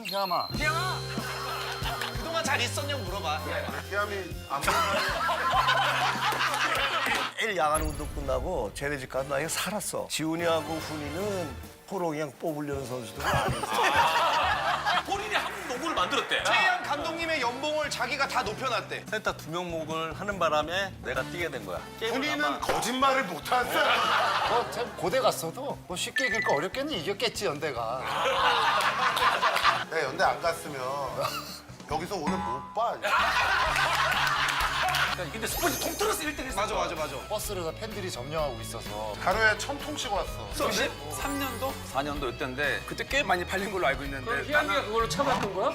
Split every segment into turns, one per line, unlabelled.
희암아.
희양아. 그동안 잘 있었냐고 물어봐.
희암이 안 보는
내일 야간 운동 끝나고 쟤네 집 가서 나 이거 살았어. 지훈이하고 훈이는 포로 그냥 뽑으려는 선수들은 아니었어.
본인이 한국 농구를 만들었대.
최양 감독님의 연봉을 자기가 다 높여놨대.
센터 2명목을 하는 바람에 내가 뛰게 된 거야.
훈이는 거짓말을 못한 사람.
너참 고대 갔어도 뭐 쉽게 이길 거 어렵겠니? 이겼겠지 연대가.
내가 연대 안 갔으면 여기서 오늘 못 봐.
근데 스포츠 통틀어서 1등 했어.
맞아.
버스를 다 팬들이 점령하고 있어서.
하루에 1000통씩 왔어.
3년도? 4년도 이때인데 그때 꽤 많이 팔린 걸로 알고 있는데
희양이가 그걸로 참았던 거야?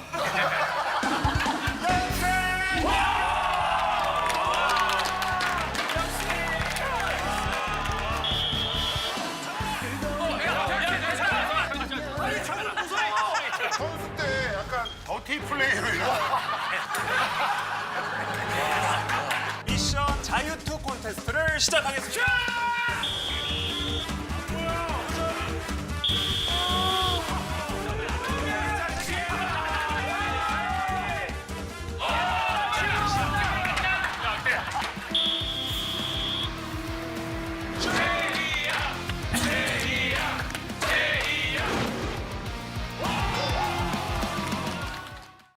선수 때 약간 더티 플레이로 이런.
미션 자유투 콘테스트를 시작하겠습니다.